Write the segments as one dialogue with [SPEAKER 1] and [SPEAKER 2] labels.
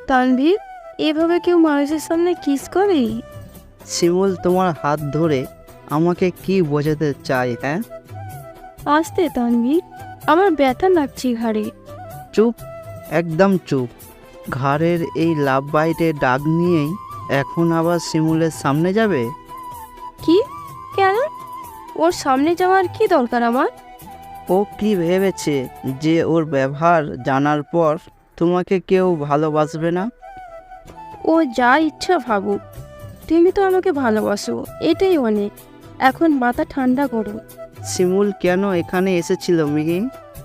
[SPEAKER 1] তানভীর, এভাবে কেউ মানুষের সামনে কিস করে?
[SPEAKER 2] শিমুল তোমার হাত ধরে আমাকে কি বোঝাতে চাই? হ্যাঁ,
[SPEAKER 1] আসতে তানভীর, আমার ব্যথা লাগছে ঘাড়ে।
[SPEAKER 2] চুপ, একদম চুপ। ঘাড়ের এই লাভ বাইটের ডাক নিয়েই এখন আবার শিমুলের সামনে যাবে?
[SPEAKER 1] কি? কেন? ওর সামনে যাওয়ার কি দরকার আমার?
[SPEAKER 2] ও কি ভেবেছে যে ওর ব্যবহার জানার পর তোমাকে কেউ ভালোবাসবে না?
[SPEAKER 1] ও যা ইচ্ছা ভাবুক, তুমি তো আমাকে ভালোবাসো, এটাই অনেক। এখন মাথা ঠান্ডা করো।
[SPEAKER 2] শিমুল কেন এখানে এসেছিল মিহি?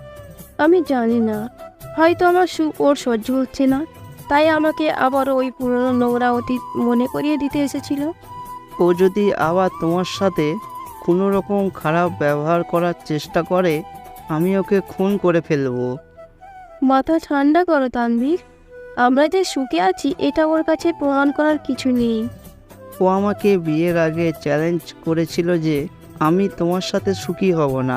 [SPEAKER 1] আমি জানি না, হয়তো আমার সুখ ওর সহ্য হচ্ছে না, তাই আমাকে আবার ওই পুরনো নোংরা অতীত মনে করিয়ে দিতে এসেছিল।
[SPEAKER 2] ও যদি আবার তোমার সাথে কোনো রকম খারাপ ব্যবহার করার চেষ্টা করে, আমি ওকে খুন করে ফেলবো।
[SPEAKER 1] মাথা ঠান্ডা করো তানভীর, আমরা যে সুখে আছি এটা ওর কাছে প্রমাণ করার কিছু নেই।
[SPEAKER 2] ও আমাকে বিয়ের আগে চ্যালেঞ্জ করেছিল যে আমি তোমার সাথে সুখী হব না।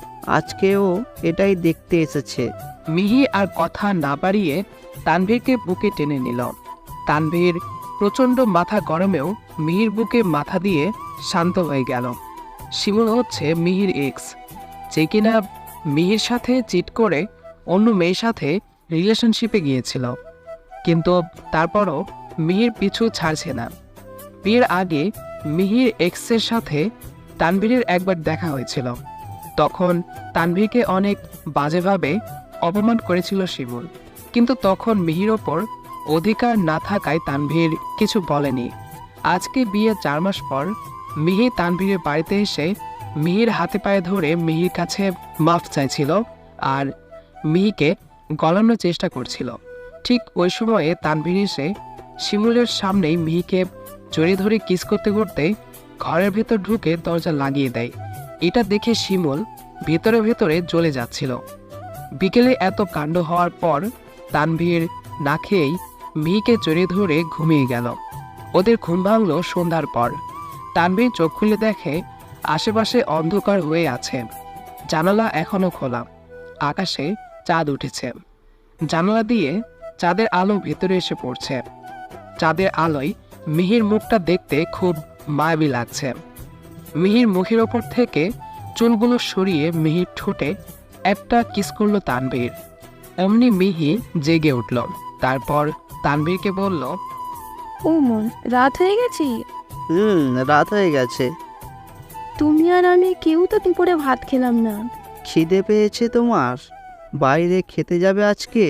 [SPEAKER 2] আজকেও এটাই দেখতে এসেছে।
[SPEAKER 3] মিহি আর কথা না বাড়িয়ে তানভীরকে বুকে টেনে নিল। তানভীর প্রচণ্ড মাথা গরমেও মিহির বুকে মাথা দিয়ে শান্ত হয়ে গেল। শিমুল হচ্ছে মিহির এক্স, যে কিনা মিহির সাথে চিট করে অন্য মেয়ের সাথে রিলেশনশিপে গিয়েছিল, কিন্তু তারপরও মিহির পিছু ছাড়ছে না। বিয়ের আগে মিহির এক্সের সাথে তানভীরের একবার দেখা হয়েছিল। তখন তানভীরকে অনেক বাজেভাবে অপমান করেছিল শিমুল, কিন্তু তখন মিহির ওপর অধিকার না থাকায় তানভীর কিছু বলেনি। আজকে বিয়ে 4 মাস পর মিহি তানভীরের বাড়িতে এসে মিহির হাতে পায়ে ধরে মিহির কাছে মাফ চাইছিল আর মিহিকে গলানোর চেষ্টা করছিল। ঠিক ওই সময়ে তানভীর এসে শিমুলের সামনেই মিহিকে জড়িয়ে ধরে কিস করতে করতে ঘরের ভেতর ঢুকে দরজা লাগিয়ে দেয়। এটা দেখে শিমুল ভেতরে ভেতরে জ্বলে যাচ্ছিল। বিকেলে এত কাণ্ড হওয়ার পর তানভীর না খেয়েই মিহিকে জড়িয়ে ধরে ঘুমিয়ে গেল। ওদের ঘুম ভাঙল সন্ধ্যার পর। তানভীর চোখ খুলে দেখে আশেপাশে অন্ধকার হয়ে আছে, জানালা এখনো খোলা, আকাশে চাঁদ উঠেছে। জানালা দিয়ে চাঁদের আলো ভেতরে এসে পড়ছে। চাঁদের আলোয় মিহির মুখটা দেখতে খুব মায়াবী লাগছে। মিহির মুখের ওপর থেকে চুলগুলো সরিয়ে মিহির ঠোঁটে একটা কিস করলো তানভীর। এমনি মিহি জেগে উঠল। তারপর তানভীরকে বলল,
[SPEAKER 1] ও মন, রাত হয়ে গেছে।
[SPEAKER 2] রাত হয়ে গেছে।
[SPEAKER 1] তুমি আর আমি কেউ তো দুপুরে ভাত খেলাম না।
[SPEAKER 2] খিদে পেয়েছে তোমার? বাইরে খেতে যাবে আজকে?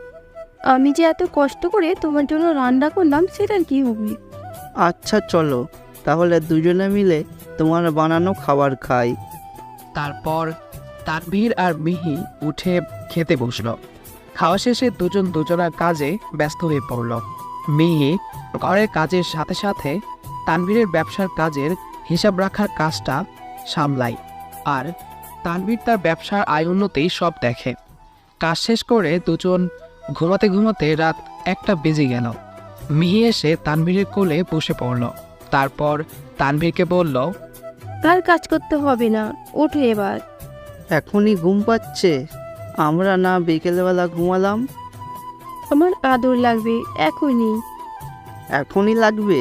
[SPEAKER 1] আমি যে এত কষ্ট করে তোমার জন্য রান্না করলাম, সেটার কি হবে?
[SPEAKER 2] আচ্ছা চলো, তাহলে দুজনে মিলে তোমার বানানো খাবার খাই।
[SPEAKER 3] তারপর তানভীর আর মিহি উঠে খেতে বসল। খাওয়া শেষে দুজন দুজনার কাজে ব্যস্ত হয়ে পড়ল। মিহি ঘরের কাজের সাথে সাথে তানভীরের ব্যবসার কাজের হিসাব রাখার কাজটা সামলায়, আর তানভীর তার ব্যবসার আয় উন্নতি সব দেখে। কাজ শেষ করে দুজন ঘুমাতে ঘুমাতে রাত 1টা বেজে গেল। মিহি এসে তানভীরের কোলে বসে পড়ল। তারপর তানভীরকে বলল,
[SPEAKER 1] আর কাজ করতে হবে না, ওঠো এবার।
[SPEAKER 2] এখনই ঘুম পাচ্ছে? আমরা না বিকেলবেলা ঘুমালাম?
[SPEAKER 1] আমার আদর লাগবে এখনই।
[SPEAKER 2] এখনই লাগবে?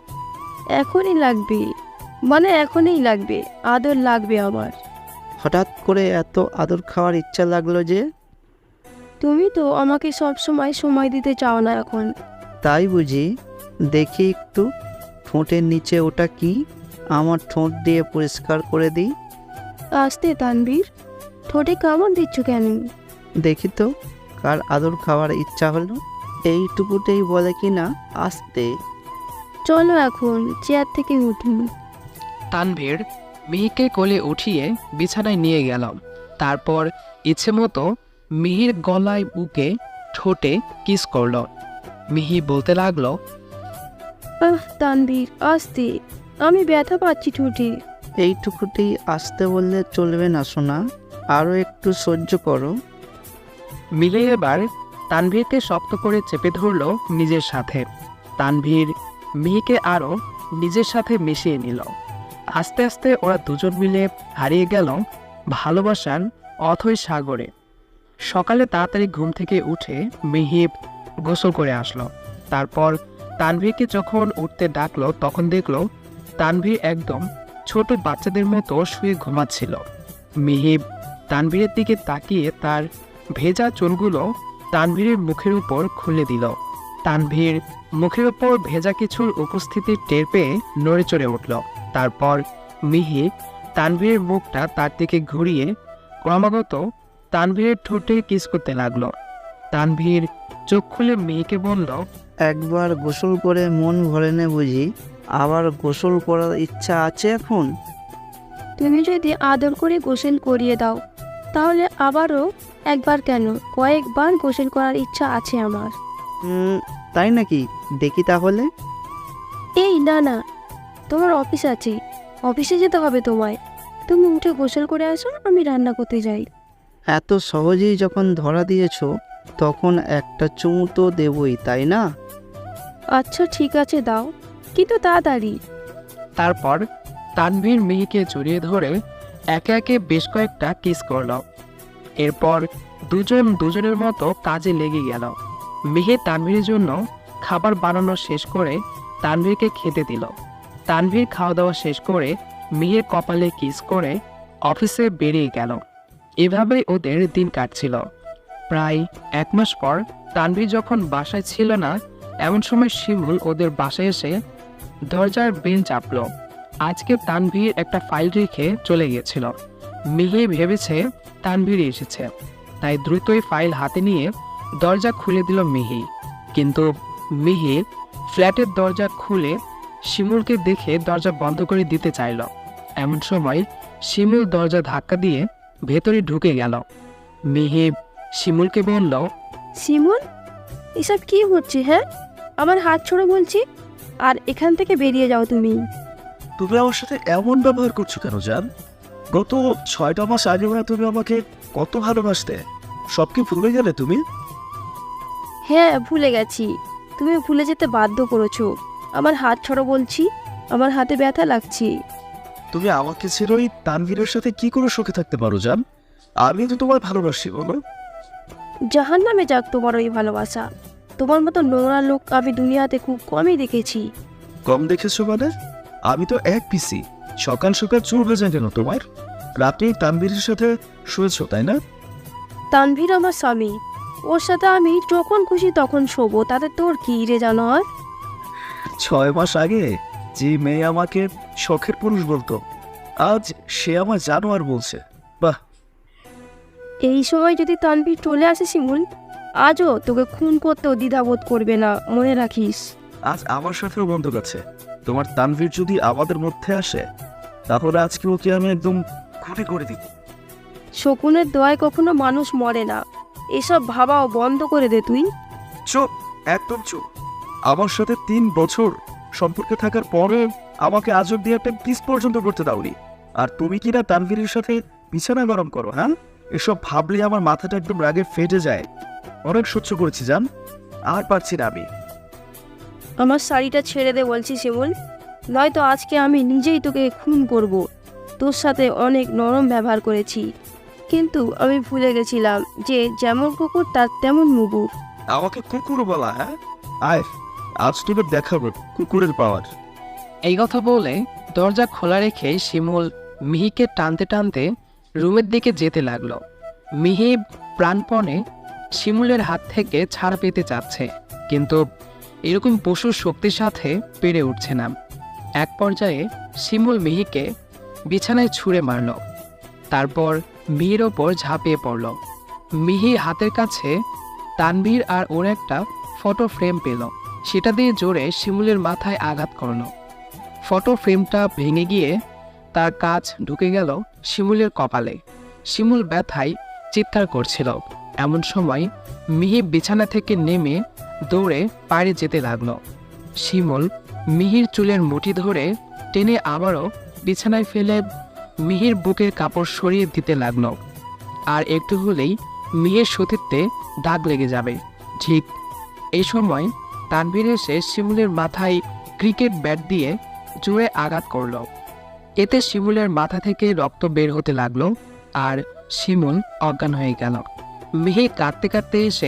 [SPEAKER 1] এখনই লাগবে, মানে এখনই লাগবে, আদর লাগবে আমার।
[SPEAKER 2] হঠাৎ করে এত আদর খাওয়ার ইচ্ছা লাগলো যে?
[SPEAKER 1] তুমি তো আমাকে সব সময় সময় দিতে চাও না এখন।
[SPEAKER 2] তাই বুঝি? দেখি একটু ঠোঁটের নিচে ওটা কি, আমার ঠোঁট দিয়ে পরিষ্কার করে দিই।
[SPEAKER 1] আসতে তানভীর, ঠোঁটে কামড় দিচ্ছ কেন?
[SPEAKER 2] দেখি তো কার আদর খাওয়ার ইচ্ছা হলো। এইটুকুতেই বলে কি না আসতে।
[SPEAKER 1] চলো এখন চেয়ার থেকে উঠুন।
[SPEAKER 3] তানভীর মিহিকে কোলে উঠিয়ে বিছানায় নিয়ে গেল। তারপর ইচ্ছে মতো মিহির গলায়, বুকে, ঠোঁটে কিস করল। মিহি বলতে লাগলো,
[SPEAKER 1] তানভীর আসতে, আমি ব্যথা পাচ্ছি ঠোঁটে।
[SPEAKER 2] এইটুকুতেই আসতে বললে চলবে না সোনা, আরও একটু সহ্য করো।
[SPEAKER 3] মিলে এবার তানভীরকে শক্ত করে চেপে ধরল নিজের সাথে। তানভীর মিহিকে আরও নিজের সাথে মিশিয়ে নিল। আস্তে আস্তে ওরা দুজন মিলে হারিয়ে গেল ভালোবাসার অথৈ সাগরে। সকালে তাড়াতাড়ি ঘুম থেকে উঠে মিহি গোসল করে আসলো। তারপর তানভীরকে যখন উঠতে ডাকলো তখন দেখলো তানভীর একদম ছোট বাচ্চাদের মতো শুয়ে ঘুমাচ্ছিল। মিহিব তানভীরের দিকে তাকিয়ে তার ভেজা চুলগুলো তানভীরের মুখের উপর খুলে দিল। তানভীর মুখের উপর ভেজা কিছুর উপস্থিতি টের পেয়ে নড়ে চড়ে উঠল। তারপর মিহিব তানভীরের মুখটা তার দিকে ঘুরিয়ে ক্রমাগত তানভীরের ঠোঁটে কিস করতে লাগলো। তানভীর চোখ খুলে মেয়েকে বলল,
[SPEAKER 2] একবার গোসল করে মন ভরে নে বুঝি, আবার গোসল করার ইচ্ছা আছে এখন?
[SPEAKER 1] তুমি যদি আদর করে গোসল করিয়ে দাও তাহলে আবারও একবার কেন কয়েকবার গোসল করার ইচ্ছা আছে আমার।
[SPEAKER 2] তাই নাকি? দেখি তাহলে।
[SPEAKER 1] এই না না, তোমার অফিস আছে, অফিসে যেতে হবে তোমায়। তুমি উঠে গোসল করে আসো, আমি রান্না করতে যাই।
[SPEAKER 2] এত সহজেই যখন ধরা দিয়েছো তখন একটা চুমু তো দেবই, তাই না?
[SPEAKER 1] আচ্ছা ঠিক আছে দাও, কিন্তু তাড়াতাড়ি।
[SPEAKER 3] তারপর তানভীর মিহিকে জড়িয়ে ধরে একে একে বেশ কয়েকটা কিস করল। এরপর দুজন দুজনের মতো কাজে লেগে গেল। মিহি তানভীরের জন্য খাবার বানানো শেষ করে তানভীরকে খেতে দিল। তানভীর খাওয়া দাওয়া শেষ করে মিহির কপালে কিস করে অফিসে বেরিয়ে গেল। এভাবেই ওদের দিন কাটছিল। প্রায় 1 মাস পর তানভীর যখন বাসায় ছিল না, এমন সময় শিমুল ওদের বাসায় এসে দরজার বেল চাপল। আজকে তানভীর একটা ফাইল রেখে চলে গিয়েছিল। মিহি ভেবেছে তানভীর এসেছে, তাই দ্রুতই ফাইল হাতে নিয়ে দরজা খুলে দিল মিহি। কিন্তু মিহি ফ্ল্যাটের দরজা খুলে শিমুলকে দেখে দরজা বন্ধ করে দিতে চাইল। এমন সময় শিমুল দরজা ধাক্কা দিয়ে ভেতরে ঢুকে গেল। মিহি শিমুলকে বলল,
[SPEAKER 1] শিমুল, এসব কি হচ্ছে? হ্যাঁ, আমার হাত ছোড়ো বলছি, আর এখান থেকে বেরিয়ে যাও তুমি।
[SPEAKER 4] তুমি আমার সাথে এমন ব্যবহার করছো কেন জান? গত 6টা মাস আগে না তুমি আমাকে কত ভালোবাসতে, সব কি ভুলে গেলে তুমি?
[SPEAKER 1] হ্যাঁ ভুলে গেছি, তুমি ভুলে যেতে বাধ্য করেছো। আমার হাত ছড়ো বলছি, আমার হাতে ব্যথা লাগছে।
[SPEAKER 4] তুমি আমাকে ছেড়ে ওই তানভীরের সাথে কি করে সুখে থাকতে পারো জান? আমি তো তোমায় ভালোবাসি, বলো।
[SPEAKER 1] জাহান নামে যাক তোমার ওই ভালোবাসা। তোমার মতো নোংরা লোক আমি দুনিয়াতে খুব কমই দেখেছি।
[SPEAKER 4] কম দেখেছো মানে? আমি তো এক পিসি। সকাল সকাল চুল ভেজে কেন তোমার? রাতে তানভীরের সাথে শুয়েছো তাই না?
[SPEAKER 1] তানভীর আমার স্বামী, ওর সাথে আমি যখন খুশি তখন শোবো, তাতে তোর কি রে জানোয়ার?
[SPEAKER 4] 6 মাস আগে যে মেয়ে আমাকে শখের পুরুষ বলতো, আজ সে আমার জানোয়ার বলছে। বাহ!
[SPEAKER 1] এই সময় যদি তানভীর চলে আসে শিমুল, আজও তোকে খুন করতেও দ্বিধাবোধ করবে না, মনে রাখিস।
[SPEAKER 4] আজ আমার সাথেও বন্ধক আছে। তোমার তানভীর যদি আমাদের মধ্যে আসে তাহলে আজকে ওকে আমি একদম খুঁটি করে দিব।
[SPEAKER 1] শকুনের দোয়ায় কখনো মানুষ মরে না, এসব ভাবাও বন্ধ করে দে তুই।
[SPEAKER 4] চুপ, একদম চুপ। আমার সাথে 3 বছর সম্পর্কে থাকার পরে আমাকে আজ অব্দি একটা কিস পর্যন্ত করতে দাওনি, আর তুমি কিনা তানভীরের সাথে বিছানা গরম করো। হ্যাঁ, এসব ভাবলে আমার মাথাটা একদম রাগে ফেটে যায়। অনেক সহ্য করেছি জান, আর পারছি না আমি।
[SPEAKER 1] আমার শাড়িটা ছেড়ে দে বলছি শিমুল, নয়তো আজকে আমি নিজেই তোকে খুন করব। তোর সাথে অনেক নরম ব্যবহার করেছি, কিন্তু আমি ভুলে গেছিলাম যে যেমন কুকুর তার তেমন মুগুর।
[SPEAKER 4] আমাকে কুকুর বলা? হ্যাঁ, আয় আজ তোকে দেখাবো কুকুরের পাওয়ার।
[SPEAKER 3] এই কথা বলে দরজা খোলা রেখে শিমুল মিহিকে টানতে টানতে রুমের দিকে যেতে লাগলো। মিহি প্রাণপণে শিমুলের হাত থেকে ছাড়া পেতে চাচ্ছে, কিন্তু এরকম পশুর শক্তির সাথে পেরে উঠছে না। এক পর্যায়ে শিমুল মিহিকে বিছানায় ছুঁড়ে মারল, তারপর মিহির ওপর ঝাঁপিয়ে পড়ল। মিহি হাতের কাছে তানভীর আর ওর একটা ফটো ফ্রেম পেল, সেটা দিয়ে জোরে শিমুলের মাথায় আঘাত করলো। ফটো ফ্রেমটা ভেঙে গিয়ে তার কাঁচ ঢুকে গেল শিমুলের কপালে। শিমুল ব্যথায় চিৎকার করছিল। এমন সময় মিহি বিছানা থেকে নেমে দৌড়ে বাইরে যেতে লাগলো। শিমুল মিহির চুলের মুঠি ধরে টেনে আবারও বিছানায় ফেলে মিহির বুকের কাপড় সরিয়ে দিতে লাগলো। আর একটু হলেই মিহির সতীত্বে দাগ লেগে যাবে। ঠিক এই সময় তানভীর এসে শিমুলের মাথায় ক্রিকেট ব্যাট দিয়ে জোরে আঘাত করল। এতে শিমুলের মাথা থেকে রক্ত বের হতে লাগলো আর শিমুল অজ্ঞান হয়ে গেল। মিহি কাঁদতে কাঁদতে এসে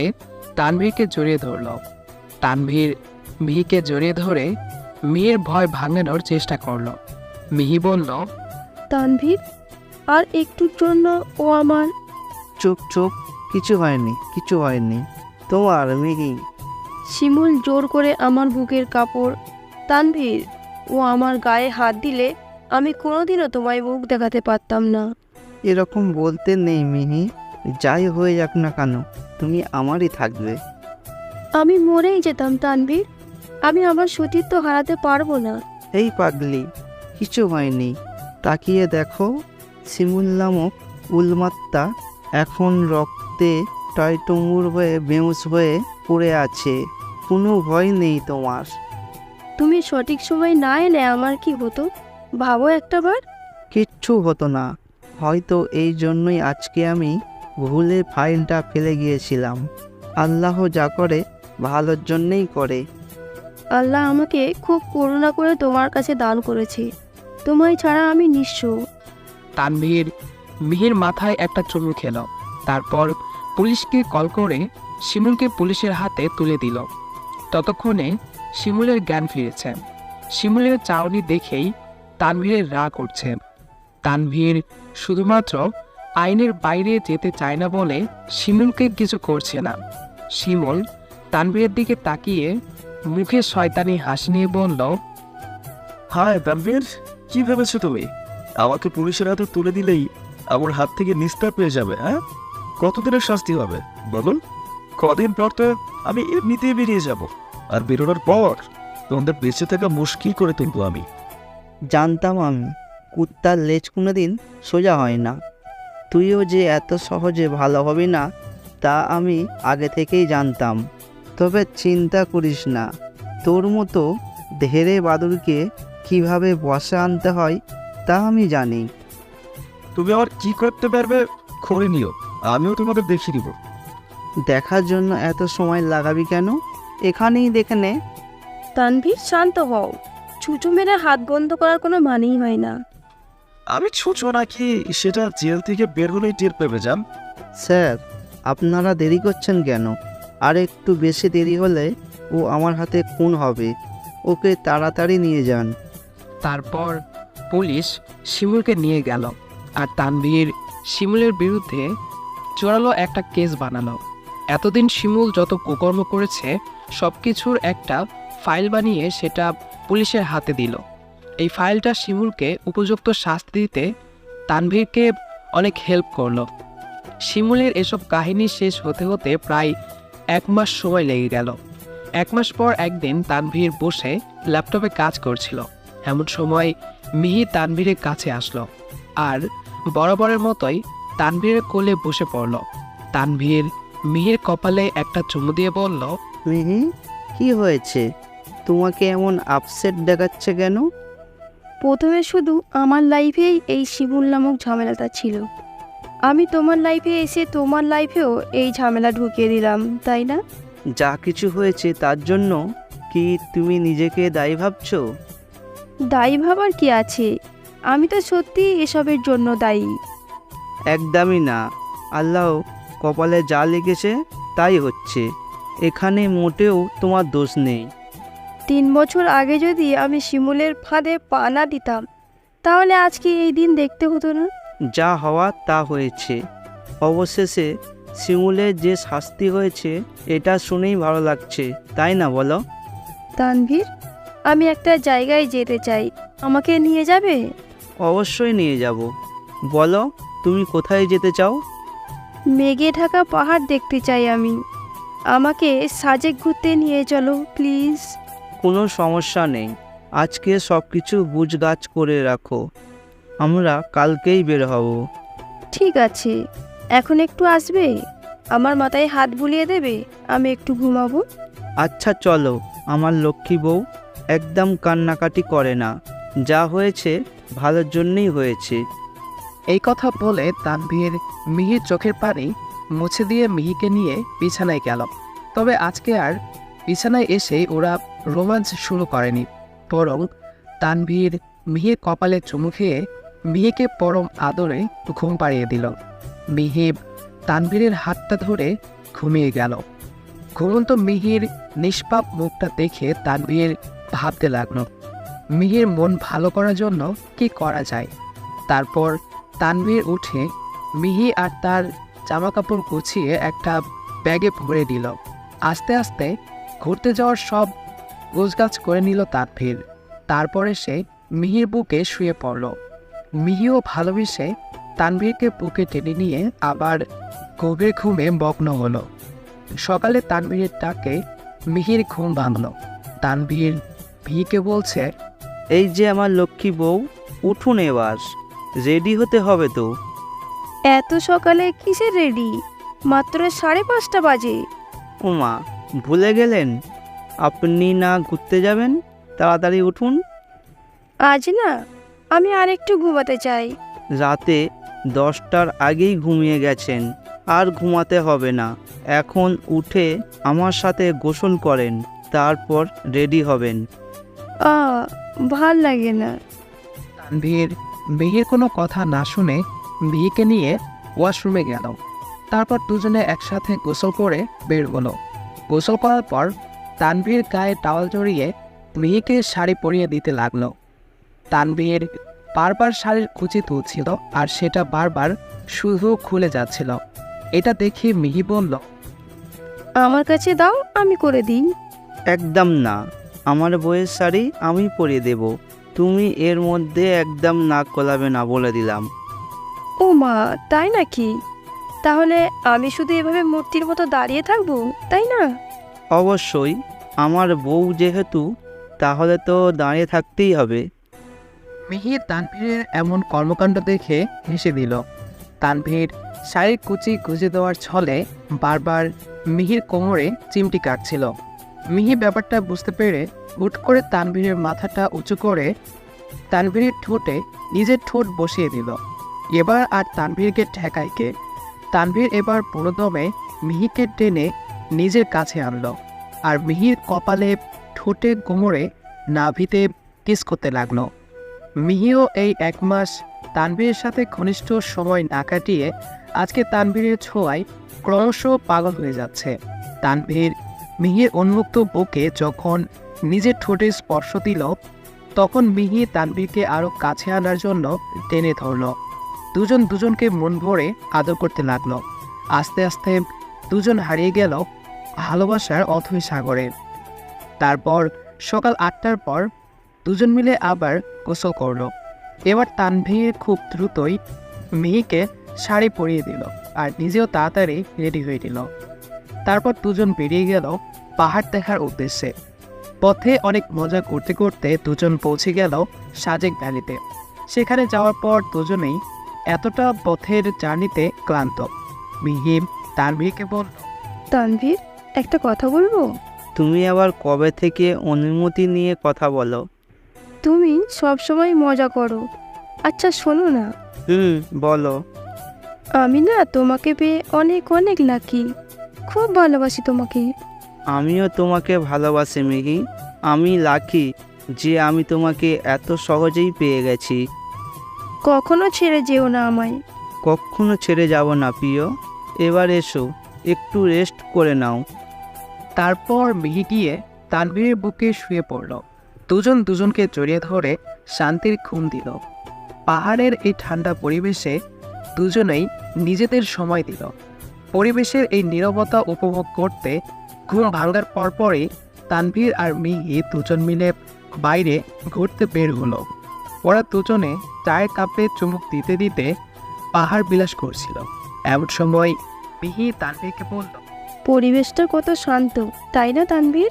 [SPEAKER 3] তানভীরকে জড়িয়ে ধরল। তানভীর মিহিকে জড়িয়ে ধরে মিহির ভয় ভাঙানোর চেষ্টা করলো। মিহি বলল,
[SPEAKER 1] তানভীর, আর একটুর জন্য ও আমার।
[SPEAKER 2] চুপ চুপ, কিছু হয়নি, কিছু হয়নি তোমার মিহি।
[SPEAKER 1] শিমুল জোর করে আমার বুকের কাপড়। তানভীর, ও আমার গায়ে হাত দিলে আমি কোনোদিনও তোমায় মুখ দেখাতে পারতাম না।
[SPEAKER 2] এরকম বলতে নেই মিহি, যাই হয়ে যাক না কেন তুমি আমারই থাকবে।
[SPEAKER 1] আমি মরেই যেতাম তানভীর, আমি আমার সতীত্ব হারাতে পারবো না।
[SPEAKER 2] এই পাগলি, কিছু হয়নি, তাকিয়ে দেখো, শিমুল নামক উলমাত্তা এখন রক্তে টয়টুঙ্গুর হয়ে বেউস হয়ে পড়ে আছে। কোনো ভয় নেই তোমার।
[SPEAKER 1] তুমি সঠিক সময় না এলে আমার কি হতো ভাবো একটাবার।
[SPEAKER 2] কিচ্ছু হতো না, হয়তো এই জন্যই আজকে আমি ভুলে ফাইলটা ফেলে গিয়েছিলাম। আল্লাহ যা করে ভালোর জন্যেই করে।
[SPEAKER 1] আল্লাহ আমাকে খুব করুণা করে তোমার কাছে দান করেছে, তোমায় ছাড়া আমি নিঃস্ব।
[SPEAKER 3] তানভীর মিহির মাথায় একটা চুমু খেল। তারপর পুলিশকে কল করে শিমুলকে পুলিশের হাতে তুলে দিল। ততক্ষণে শিমুলের জ্ঞান ফিরেছে। শিমুলের চাউনি দেখেই তানভীরের রাগ উঠছে। তানভীর শুধুমাত্র আইনের বাইরে যেতে চায় না বলে শিমুলকে কিছু করছে না। শিমুল তানভীরের দিকে তাকিয়ে মুখে শয়তানি হাসি নিয়ে বলল,
[SPEAKER 4] হায় তানভীর, কি ভেবেছো তুমি? আমাকে পুলিশের হাতে তুলে দিলেই আমার হাত থেকে নিস্তার পেয়ে যাবে? হ্যাঁ, কতদিনের শাস্তি হবে বলুন? কদিন পর তো আমি এমনিতেই বেরিয়ে যাব, আর বেরোনোর পর তোমাদের বেঁচে থাকা মুশকিল করে তুলবো আমি।
[SPEAKER 2] জানতাম আমি, কুত্তার লেজ কোনোদিন সোজা হয় না। তুইও যে এত সহজে ভালো হবি না তা আমি আগে থেকেই জানতাম। তবে চিন্তা করিস না, তোর মতো ধেড়ে বাদুড়কে কিভাবে বসে আনতে হয় তা আমি জানি।
[SPEAKER 4] তুমি আমার কি করতে পারবে করে নিও, আমিও তোমাদের দেখিয়ে দিব।
[SPEAKER 2] দেখার জন্য এত সময় লাগাবি কেন? এখানেই দেখে নে।
[SPEAKER 1] তানভীর, শান্ত হও। ছুঁচো মেরে হাত বন্ধ করার কোনো মানেই হয় না।
[SPEAKER 4] আমি ছুঁচো নাকি সেটা জেল থেকে বের হলেই টের পেবে যান।
[SPEAKER 2] স্যার, আপনারা দেরি করছেন কেন? আর একটু বেশি দেরি হলে ও আমার হাতে খুন হবে। ওকে তাড়াতাড়ি নিয়ে যান।
[SPEAKER 3] তারপর পুলিশ শিমুলকে নিয়ে গেল। আর তানভীর শিমুলের বিরুদ্ধে জোরালো একটা কেস বানালো। এতদিন শিমুল যত কুকর্ম করেছে সব কিছুর একটা ফাইল বানিয়ে সেটা পুলিশের হাতে দিল। এই ফাইলটা শিমুলকে উপযুক্ত শাস্তি দিতে তানভীরকে অনেক হেল্প করলো। শিমুলের এসব কাহিনী শেষ হতে হতে প্রায় 1 মাস সময় লেগে গেল। 1 মাস পর একদিন তানভীর বসে ল্যাপটপে কাজ করছিল। এমন সময় মিহি তানভীরের কাছে আসলো আর বরাবরের মতোই তানভীরের কোলে বসে পড়ল। তানভীর মিহির কপালে একটা চুমু দিয়ে বলল,
[SPEAKER 2] মিহি, কি হয়েছে? তোমাকে এমন আপসেট দেখাচ্ছে কেন?
[SPEAKER 1] প্রথমে শুধু আমার লাইফেই এই শিমুল নামক ঝামেলাটা ছিল, আমি তোমার লাইফে এসে তোমার লাইফেও এই ঝামেলা ঢুকিয়ে দিলাম, তাই না?
[SPEAKER 2] যা কিছু হয়েছে তার জন্য কি তুমি নিজেকে দায়ী ভাবছো?
[SPEAKER 1] দায়ী ভাবার কি আছে, আমি তো সত্যি এসবের জন্য দায়ী।
[SPEAKER 2] একদমই না। আল্লাহ কপালে যা লিখেছে তাই হচ্ছে। এখানে মোটেও তোমার দোষ নেই।
[SPEAKER 1] 3 বছর আগে যদি আমি শিমুলের ফাঁদে পা না দিতাম তাহলে আজকে এই দিন দেখতে হতো না।
[SPEAKER 2] যা হওয়া তা হয়েছে। অবশেষে শিমুলের যে শাস্তি হয়েছে এটা শুনেই ভালো লাগছে, তাই না বলো?
[SPEAKER 1] তানভীর, আমি একটা জায়গায় যেতে চাই, আমাকে নিয়ে যাবে?
[SPEAKER 2] অবশ্যই নিয়ে যাব। বলো, তুমি কোথায় যেতে চাও?
[SPEAKER 1] মেঘে ঢাকা পাহাড় দেখতে চাই আমি, আমাকে সাজেক ঘুরতে নিয়ে চলো প্লিজ।
[SPEAKER 2] কোনো সমস্যা নেই, আজকে সব কিছু গুছগাছ করে রাখো, আমরা কালকেই বের হব।
[SPEAKER 1] ঠিক আছে, এখন একটু আসবে, আমার মাথায় হাত বুলিয়ে দেবে, আমি একটু ঘুমাবো।
[SPEAKER 2] আচ্ছা চলো, আমার লক্ষ্মী বউ একদম কান্নাকাটি করে না। যা হয়েছে ভালোর জন্যই হয়েছে।
[SPEAKER 3] এই কথা বলে তানভীর মিহির চোখের পানি মুছে দিয়ে মিহিকে নিয়ে বিছানায় গেল। তবে আজকে আর বিছানায় এসে ওরা রোমাঞ্চ শুরু করেনি, বরং তানভীর মিহির কপালে চুমু খেয়ে মিহিকে পরম আদরে ঘুম পাড়িয়ে দিল। মিহি তানভীরের হাতটা ধরে ঘুমিয়ে গেল। ঘুমন্ত মিহির নিষ্পাপ মুখটা দেখে তানভীর ভাবতে লাগলো মিহির মন ভালো করার জন্য কি করা যায়। তারপর তানভীর উঠে মিহি আর তার জামাকাপড় গুছিয়ে একটা ব্যাগে ভরে দিল। আস্তে আস্তে ঘুরতে যাওয়ার সব গোছগাছ করে নিল তানভীর। তারপরে সে মিহির বুকে শুয়ে পড়ল। মিহিও ভালোবেসে তানভীরকে বুকে টেনে নিয়ে আবার গভীর ঘুমে মগ্ন হলো। সকালে তানভীরের ডাকে মিহির ঘুম ভাঙল। তানভীর মিহিকে বলছে,
[SPEAKER 2] এই যে আমার লক্ষ্মী বউ, উঠুন এবার, রেডি হতে হবে তো।
[SPEAKER 1] এত সকালে কিসের রেডি? মাত্র 5:30 বাজে।
[SPEAKER 2] ওমা, ভুলে গেলেন? আপনি না ঘুরতে যাবেন? তাড়াতাড়ি উঠুন।
[SPEAKER 1] আজ না, আমি আরেকটু ঘুমাতে চাই।
[SPEAKER 2] রাতে 10টার আগেই ঘুমিয়ে গেছেন, আর ঘুমাতে হবে না। এখন উঠে আমার সাথে গোসল করেন, তারপর রেডি হবেন।
[SPEAKER 1] ভাল লাগে না।
[SPEAKER 3] তানভীর মিহির কোনো কথা না শুনে মিহিকে নিয়ে ওয়াশরুমে গেল। তারপর দুজনে একসাথে গোসল করে বের হলো। গোসল করার পর তানভীর গায়ে টাওয়াল জড়িয়ে মিহিকে শাড়ি পরিয়ে দিতে লাগলো। তানভীর বারবার শাড়ির কুচি তুলছিল আর সেটা বারবার শুধু খুলে যাচ্ছিল। এটা দেখে মিহি বলল,
[SPEAKER 1] আমার কাছে দাও, আমি করে দিই।
[SPEAKER 2] একদম না, আমার বউয়ের শাড়ি আমি পরিয়ে দেব। তুমি এর মধ্যে একদম নাক গলাবে না, বলে দিলাম।
[SPEAKER 1] ও মা, তাই নাকি? তাহলে আমি শুধু এভাবে মূর্তির মতো দাঁড়িয়ে থাকবো, তাই না?
[SPEAKER 2] অবশ্যই, আমার বউ যেহেতু, তাহলে তো দাঁড়িয়ে থাকতেই হবে।
[SPEAKER 3] মিহি তানভীরের এমন কর্মকাণ্ড দেখে হেসে দিল। তানভীর শাড়ির কুচি গুঁজে দেওয়ার ছলে বারবার মিহির কোমরে চিমটি কাটছিল। মিহি ব্যাপারটা বুঝতে পেরে হুট করে তানভীরের মাথাটা উঁচু করে তানভীরের ঠোঁটে নিজের ঠোঁট বসিয়ে দিল। এবার আর তানভীরকে ঠেকায় কে? তানভীর এবার পুরোদমে মিহিকে টেনে নিজের কাছে আনলো আর মিহির কপালে, ঠোঁটে, কোমরে, নাভিতে কিস করতে লাগলো। মিহিও এই 1 মাস তানভীরের সাথে ঘনিষ্ঠ সময় না কাটিয়ে আজকে তানভীরের ছোঁয়ায় ক্রমশ পাগল হয়ে যাচ্ছে। তানভীর মিহির উন্মুক্ত বুকে যখন নিজের ঠোঁটে স্পর্শ দিল, তখন মিহি তানভীরকে আরও কাছে আনার জন্য টেনে ধরল। দুজন দুজনকে মন ভরে আদর করতে লাগলো। আস্তে আস্তে দুজন হারিয়ে গেল ভালোবাসার অথৈ সাগরে। তারপর সকাল 8টার পর দুজন মিলে আবার গোসল করলো। এবার তানভীর খুব দ্রুতই মিহিকে শাড়ি পরিয়ে দিল আর নিজেও তাড়াতাড়ি রেডি হয়ে দিল। তারপর দুজন বেরিয়ে গেল পাহাড় দেখার উদ্দেশ্যে। পথে অনেক মজা করতে করতে দুজন পৌঁছে গেল সাজেক ভ্যালিতে। সেখানে যাওয়ার পর দুজনেই এতটা পথের জার্নিতে ক্লান্ত। মিহি তানভীরকে বলল,
[SPEAKER 1] তানভীর, একটা কথা বলবো?
[SPEAKER 2] তুমি আবার কবে থেকে অনুমতি নিয়ে কথা বলো?
[SPEAKER 1] তুমি সব সময় মজা করো। আচ্ছা শোনো না,
[SPEAKER 2] বলো।
[SPEAKER 1] আমি না তোমাকে পেয়ে অনেক অনেক লাকি। খুব ভালোবাসি তোমাকে।
[SPEAKER 2] আমিও তোমাকে ভালোবাসি মিহি। আমি লাকি যে আমি তোমাকে এত সহজেই পেয়ে গেছি।
[SPEAKER 1] কখনো ছেড়ে যেও না আমায়।
[SPEAKER 2] কখনো ছেড়ে যাব না প্রিয়। এবার এসো, একটু রেস্ট করে নাও।
[SPEAKER 3] তারপর মিহি গিয়ে তানভীরের বুকে শুয়ে পড়ল। দুজন দুজনকে জড়িয়ে ধরে শান্তির ঘুম দিল। পাহাড়ের এই ঠান্ডা পরিবেশে দুজনেই নিজেদের সময় দিল। পরিবেশের এই নীরবতা উপভোগ করতে ঘুম ভাঙার পরপরই তানভীর আর মিহি দুজন মিলে বাইরে ঘুরতে বের হলো। ওরা দুজনে চায়ের কাপে চুমুক দিতে দিতে পাহাড় বিলাস করছিল। এমন সময় মিহি তানভীরকে বলল,
[SPEAKER 1] পরিবেশটা কত শান্ত, তাই না তানভীর?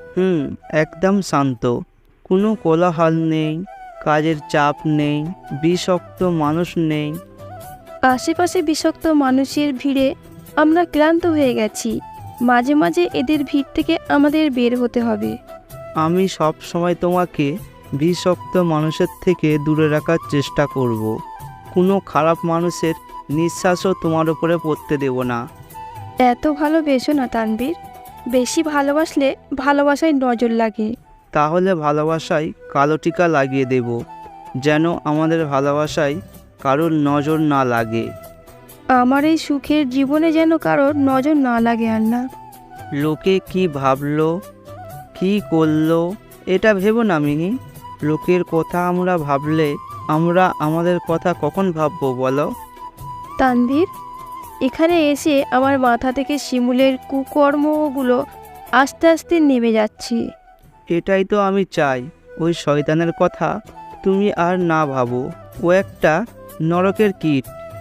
[SPEAKER 2] একদম শান্ত। কোনো কোলাহল নেই, কাজের চাপ নেই, বিষাক্ত মানুষ নেই।
[SPEAKER 1] আশেপাশে বিষাক্ত মানুষের ভিড়ে আমরা ক্লান্ত হয়ে গেছি। মাঝে মাঝে এদের ভিড় থেকে আমাদের বের হতে হবে।
[SPEAKER 2] আমি সব সময় তোমাকে বিষাক্ত মানুষের থেকে দূরে রাখার চেষ্টা করব। কোনো খারাপ মানুষের নিঃশ্বাসও তোমার উপরে পড়তে দেব না।
[SPEAKER 1] এত ভালোবেসো না তানভীর। বেশি ভালোবাসলে ভালোবাসায় নজর লাগে।
[SPEAKER 2] তাহলে ভালোবাসায় কালো টিকা লাগিয়ে দেব, যেন আমাদের ভালোবাসায় কারোর নজর না লাগে।
[SPEAKER 1] আমার এই সুখের জীবনে যেন কারোর নজর না লাগে। আর না,
[SPEAKER 2] লোকে কি ভাবলো, কি করলো, এটা ভেবো না মিহি। লোকের কথা আমরা ভাবলে আমরা আমাদের কথা কখন ভাববো বলো?
[SPEAKER 1] তানভীর, এখানে এসে আমার মাথা থেকে শিমুলের কুকর্মগুলো আস্তে আস্তে নেমে যাচ্ছে।
[SPEAKER 2] এটাই তো আমি চাই, ওই শয়তানের কথা তুমি আর না ভাবো। ও একটা নরকের কীট।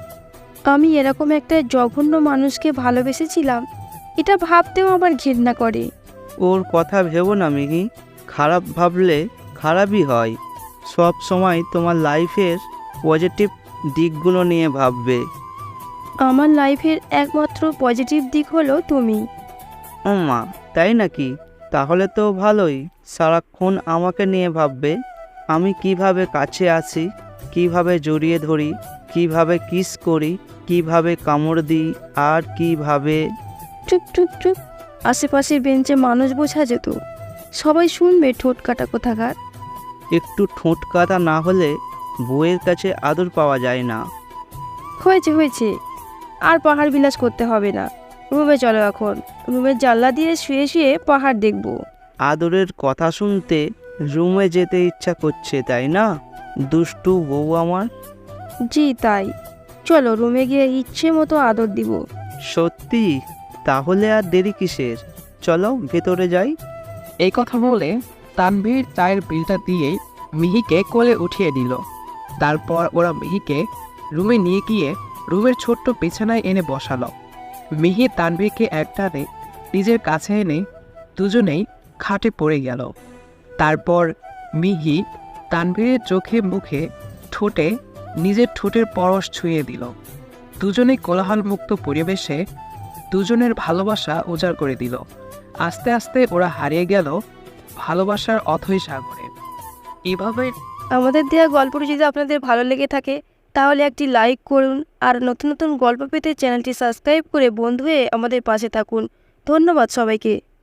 [SPEAKER 1] আমি এরকম একটা জঘন্য মানুষকে ভালোবেসেছিলাম, এটা ভাবতেও আমার ঘৃণা করে।
[SPEAKER 2] ওর কথা ভেবো না মিহি। খারাপ ভাবলে খারাপই হয়। সব সময় তোমার লাইফের পজিটিভ দিকগুলো নিয়ে ভাববে।
[SPEAKER 1] আমার লাইফের একমাত্র পজিটিভ দিক হলো তুমি।
[SPEAKER 2] মা, তাই নাকি? তাহলে তো ভালোই। সারাক্ষণ আমাকে নিয়ে ভাববে। আমি কিভাবে কাছে আসি, কিভাবে জড়িয়ে ধরি, কিভাবে কিস করি, কিভাবে কামড় দিই, আর কিভাবে।
[SPEAKER 1] চুপ চুপ চুপ, আশেপাশের বেঞ্চে মানুষ বোঝা যেত, সবাই শুনবে ঠোঁট কাটা কোথাকার।
[SPEAKER 2] একটু ঠোঁট কাটা না হলে বউয়ের কাছে আদর পাওয়া যায় না।
[SPEAKER 1] হয়েছে হয়েছে, আর পাহাড় বিলাস করতে হবে না। রুমে চলো এখন, রুমের জানলা দিয়ে শুয়ে শুয়ে পাহাড় দেখব।
[SPEAKER 2] আদরের কথা শুনতে রুমে যেতে ইচ্ছা করছে, তাই না দুষ্টু বউ আমার?
[SPEAKER 1] জি তাই, চলো রুমে গিয়ে ইচ্ছে মতো আদর দিব।
[SPEAKER 2] সত্যি? তাহলে আর দেরি কিসের? চলো ভেতরে যাই।
[SPEAKER 3] এই কথা বলে তানভীর চায়ের বিলটা দিয়ে মিহিকে কোলে উঠিয়ে দিল। তারপর ওরা মিহিকে রুমে নিয়ে গিয়ে রুমের ছোট্ট বিছানায় এনে বসালো। মিহি তানভীরকে একটানে নিজের কাছে এনে দুজনেই খাটে পড়ে গেল। তারপর মিহি তানভীরের চোখে মুখে ঠোঁটে নিজের ঠোঁটের পরশ ছুঁয়ে দিল। দুজনেই কোলাহলমুক্ত পরিবেশে দুজনের ভালোবাসা উজাড় করে দিল। আস্তে আস্তে ওরা হারিয়ে গেল ভালোবাসার অথৈ সাগরে। এভাবে
[SPEAKER 1] আমাদের দেওয়া গল্পটি যদি আপনাদের ভালো লেগে থাকে তাহলে একটি লাইক করুন, আর নতুন নতুন গল্প পেতে চ্যানেলটি সাবস্ক্রাইব করে বন্ধু হয়ে আমাদের পাশে থাকুন। ধন্যবাদ সবাইকে।